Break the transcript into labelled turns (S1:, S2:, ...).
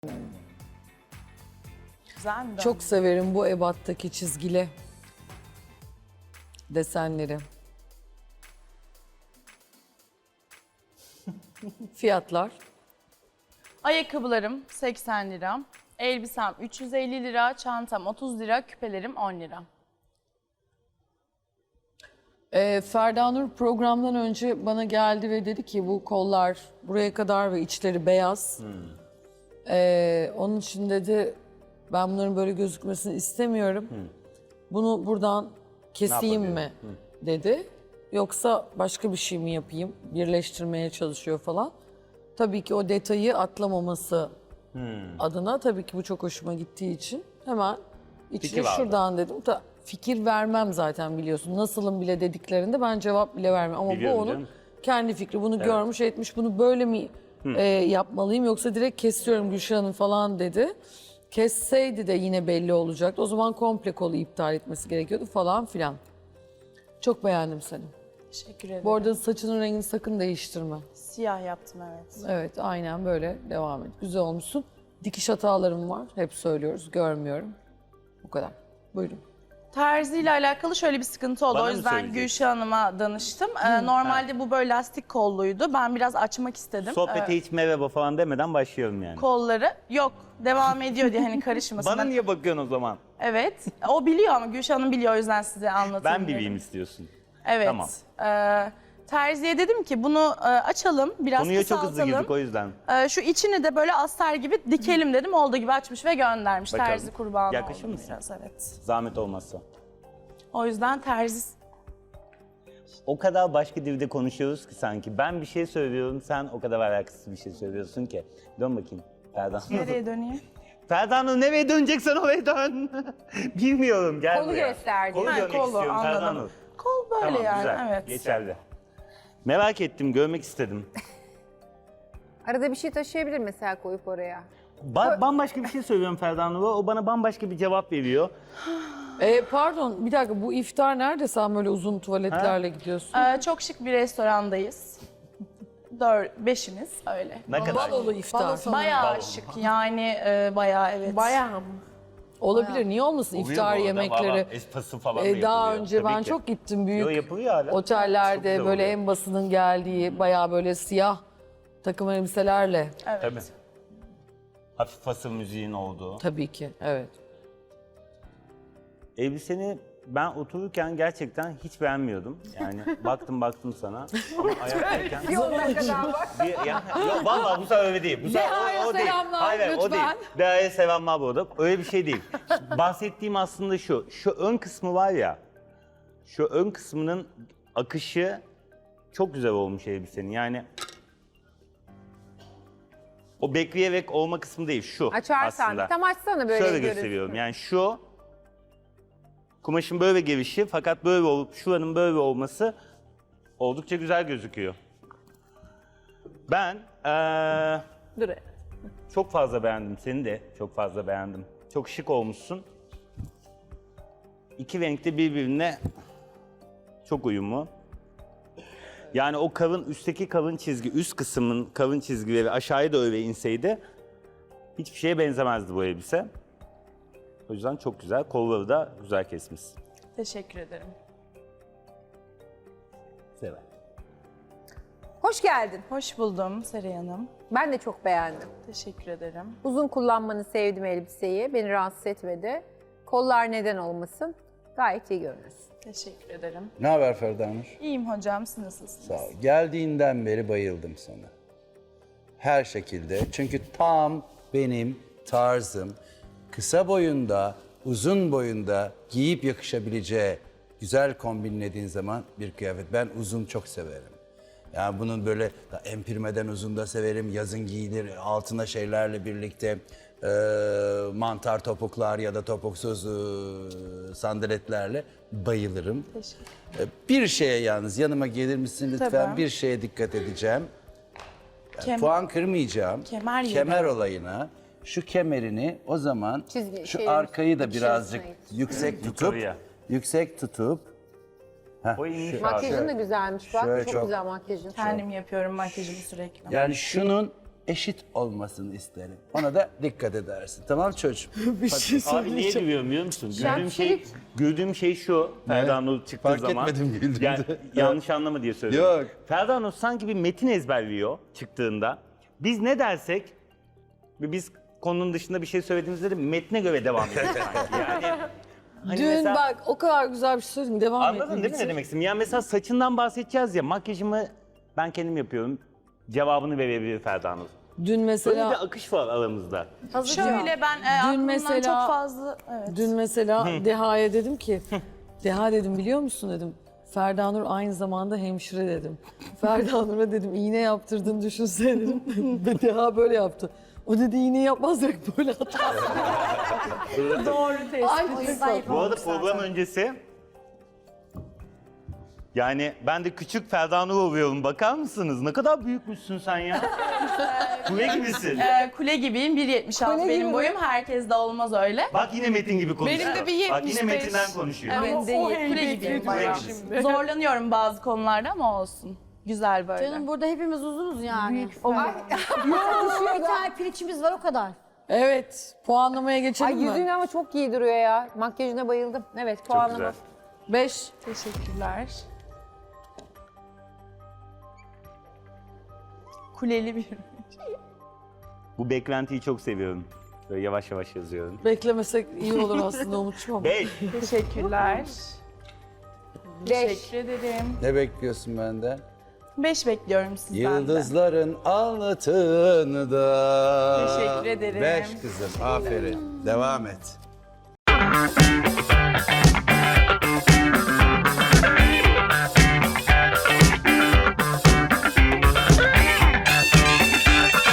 S1: Güzel mi?
S2: Çok severim bu ebattaki çizgili desenleri. Fiyatlar.
S1: Ayakkabılarım 80 lira. Elbisem 350 lira. Çantam 30 lira. Küpelerim 10 lira.
S2: Ferda Nur programdan önce bana geldi ve dedi ki bu kollar buraya kadar ve içleri beyaz. Onun için dedi ben bunların böyle gözükmesini istemiyorum. Bunu buradan keseyim mi dedi. Yoksa başka bir şey mi yapayım? Birleştirmeye çalışıyor falan. Tabii ki o detayı atlamaması adına tabii ki bu çok hoşuma gittiği için hemen içine şuradan dedim. Fikir vermem zaten biliyorsun. Nasılım bile dediklerinde ben cevap bile vermem. Ama
S3: Biliyorum
S2: bu onun
S3: canım.
S2: kendi fikri. Bunu görmüş etmiş. Bunu böyle mi yapmalıyım yoksa direkt kesiyorum Gülşah Hanım falan dedi. Kesseydi de yine belli olacaktı. O zaman komple kolu iptal etmesi gerekiyordu falan filan. Çok beğendim seni.
S1: Teşekkür ederim.
S2: Bu arada saçının rengini sakın değiştirme.
S1: Siyah yaptım evet.
S2: Evet aynen böyle devam et. Güzel olmuşsun. Dikiş hatalarım var. Hep söylüyoruz. Görmüyorum. Bu kadar. Buyurun.
S1: Terzi ile alakalı şöyle bir sıkıntı oldu.
S3: Bana
S1: O
S3: mı
S1: yüzden
S3: söyleyeceksin?
S1: Gülşah Hanım'a danıştım. Normalde bu böyle lastik kolluydu. Ben biraz açmak istedim.
S3: Sohbete hiç merhaba falan demeden başlıyorum yani.
S1: Kolları yok. Devam ediyor diye hani karışmasın.
S3: Bana niye bakıyorsun o zaman?
S1: Evet. O biliyor ama Gülşah Hanım biliyor o yüzden size anlatayım
S3: Ben
S1: dedim.
S3: bileyim istiyorsun.
S1: Evet.
S3: Tamam.
S1: Terziye dedim ki bunu açalım, biraz
S3: Konuya çok hızlı
S1: kısaltalım.
S3: girdik o yüzden.
S1: Şu içini de böyle astar gibi dikelim dedim. Olduğu gibi açmış ve göndermiş.
S3: Bakalım.
S1: Terzi kurbanı
S3: Yakışır
S1: oldum
S3: mısın?
S1: biraz, evet.
S3: Zahmet olmazsa.
S1: O yüzden terzi...
S3: O kadar başka dilde konuşuyoruz ki sanki. Ben bir şey söylüyorum, sen o kadar alakasız bir şey söylüyorsun ki. Dön bakayım Ferda.
S1: Nereye döneyim?
S3: Ferda Nur nereye döneceksen oraya dön. Bilmiyorum, gel
S4: Kolu
S3: buraya.
S4: gösterdi.
S3: Kolu
S1: Ha,
S3: görmek
S1: kolu,
S3: istiyorum Ferda
S1: anladım.
S3: Nur.
S1: Kol böyle
S3: Tamam,
S1: yani,
S3: güzel.
S1: evet.
S3: Geçerli. Merak ettim, görmek istedim.
S4: Arada bir şey taşıyabilir mesela koyup oraya.
S3: Bambaşka bir şey söylüyorum Ferda Nur'a, o bana bambaşka bir cevap veriyor.
S2: Pardon bir dakika bu iftar nerede sen böyle uzun tuvaletlerle gidiyorsun?
S1: Çok şık bir restorandayız. Beşimiz öyle.
S3: Ne kadar?
S2: Balolu iftar.
S1: Bayağı şık yani, bayağı evet.
S4: Bayağı.
S2: Olabilir niye olmasın iftar yemekleri.
S3: Espası falan da
S2: Daha
S3: yapılıyor.
S2: önce
S3: Tabii
S2: ben
S3: ki.
S2: çok gittim
S3: Yo,
S2: büyük
S3: yapılıyor hala. Çok
S2: otellerde
S3: güzel
S2: böyle
S3: oluyor.
S2: en basının geldiği bayağı böyle siyah takım elbiselerle.
S1: Evet.
S3: Tabii. Hafif fasıl müziğin olduğu.
S2: Tabii ki evet.
S3: Elbiseni ben otururken gerçekten hiç beğenmiyordum. Yani baktım sana ama ayaktayken...
S4: Bir 10 dakikadan var.
S3: Yok vallahi bu sefer öyle değil. Bu sefer
S2: Deha'ya
S3: o değil.
S2: selamlar,
S3: Hayır, o değil.
S2: lütfen.
S3: Deha'ya selamlar bu arada. Öyle bir şey değil. Bahsettiğim aslında şu. Şu ön kısmı var ya. Şu ön kısmının akışı çok güzel olmuş elbisenin. Yani o bekleyerek olma kısmı değil. Şu
S4: Açarsan.
S3: aslında.
S4: Tam açsana böyle
S3: Şöyle
S4: görünsün.
S3: gösteriyorum. Yani şu kumaşın böyle gelişi fakat böyle olup şuranın böyle olması oldukça güzel gözüküyor. Ben
S1: Dur.
S3: çok fazla beğendim seni de çok fazla beğendim. Çok şık olmuşsun. İki renk de birbirine çok uyumlu. Yani o kalın üstteki kalın çizgi, üst kısmın kalın çizgileri aşağıya da öyle inseydi hiçbir şeye benzemezdi bu elbise. O yüzden çok güzel. Kolları da güzel kesmişsin.
S1: Teşekkür ederim.
S3: Sever.
S4: Hoş geldin.
S1: Hoş buldum Seray Hanım.
S4: Ben de çok beğendim.
S1: Teşekkür ederim.
S4: Uzun kullanmanı sevdim elbiseyi. Beni rahatsız etmedi. Kollar neden olmasın? Gayet iyi görünüyorsun.
S1: Teşekkür ederim.
S5: Ne haber Ferda Nur?
S1: İyiyim hocam, siz nasılsınız?
S5: Sağ ol. Geldiğinden beri bayıldım sana. Her şekilde. Çünkü tam benim tarzım. Kısa boyunda, uzun boyunda giyip yakışabileceği güzel kombinlediğin zaman bir kıyafet. Ben uzun çok severim. Yani bunun böyle empirmeden uzun da severim. Yazın giyilir altına şeylerle birlikte mantar topuklar ya da topuksuz sandaletlerle bayılırım. Bir şeye yalnız yanıma gelir misin lütfen?
S1: Tabii.
S5: Bir şeye dikkat edeceğim.
S1: Kemer-
S5: Puan kırmayacağım.
S1: Kemer yedi.
S5: Kemer olayına şu kemerini o zaman
S4: Çizgi-
S5: şu
S4: şeyleri-
S5: arkayı da
S4: içerisine
S5: birazcık
S4: git.
S5: yüksek tutup
S3: O inmiş abi.
S4: Makyajın da güzelmiş bak.
S5: Şöyle
S4: Çok
S5: çok-
S4: güzel makyajın.
S1: Kendim yapıyorum makyajımı sürekli.
S5: yani şunun eşit olmasını isterim. Ona da dikkat edersin. Tamam çocuğum?
S2: Bir şey
S3: Abi niye
S2: söyleyeceğim.
S3: gülüyorum biliyor musun?
S4: Şemsiyelik.
S3: Güldüğüm şey şu. Ferda Nur çıktığı
S5: Fark
S3: zaman.
S5: etmedim güldüğünde.
S3: Yani, yanlış anlama diye söylüyorum.
S5: Yok.
S3: Ferda Nur sanki bir metin ezberliyor çıktığında. Biz ne dersek ve biz konunun dışında bir şey söylediğimizde de metne göre devam ediyoruz sanki. Yani hani
S2: Dün
S3: mesela-
S2: bak o kadar güzel bir şey söyledin. Devam et.
S3: Anladın değil mi ne demek istedim? Yani mesela saçından bahsedeceğiz ya, makyajımı ben kendim yapıyorum. Cevabını verebilir Ferda Nur.
S2: Dün
S3: Böyle
S2: mesela
S3: bir akış var aramızda.
S1: Şöyle ben aklımdan
S2: mesela-
S1: çok fazla... Evet.
S2: Dün mesela Deha'ya dedim ki, Deha dedim biliyor musun dedim. Ferda Nur aynı zamanda hemşire dedim. Ferda Nur'a dedim iğne yaptırdığını düşünsene dedim. Ve Deha böyle yaptı. O dedi iğne yapmazsak böyle atar.
S1: Doğru tespit.
S2: Ay,
S3: Bu arada program öncesi yani ben de küçük Ferda Nur oluyorum. Bakar mısınız? Ne kadar büyükmüşsün sen ya. Kule gibisin.
S1: Kule gibiyim. 1.76 benim boyum. Herkes de olmaz öyle.
S3: Bak yine Metin gibi konuşuyor.
S1: Benim de bir
S3: Bak yine
S1: 75.
S3: Metin'den konuşuyor.
S1: Evet, kule gibiyim bayağı. Zorlanıyorum bazı konularda ama olsun. Güzel böyle.
S6: Canım burada hepimiz uzunuz yani. Bir tane piliçimiz var o kadar.
S2: Evet, puanlamaya geçelim
S4: Ay
S2: mi?
S4: yüzün ama çok iyi duruyor ya. Makyajına bayıldım. Evet
S3: Çok
S4: puanlama.
S3: güzel.
S2: 5.
S1: Teşekkürler. Kuleli bir...
S3: Bu beklentiyi çok seviyorum. Böyle yavaş yavaş yazıyorum.
S2: Beklemesek iyi olur aslında Umut'cum ama.
S3: 5.
S1: Teşekkürler.
S4: 5.
S1: Teşekkür ederim.
S5: Ne bekliyorsun benden?
S1: 5 bekliyorum sizden de.
S5: Yıldızların altında.
S1: Teşekkür ederim.
S5: 5 kızım, aferin. Devam et.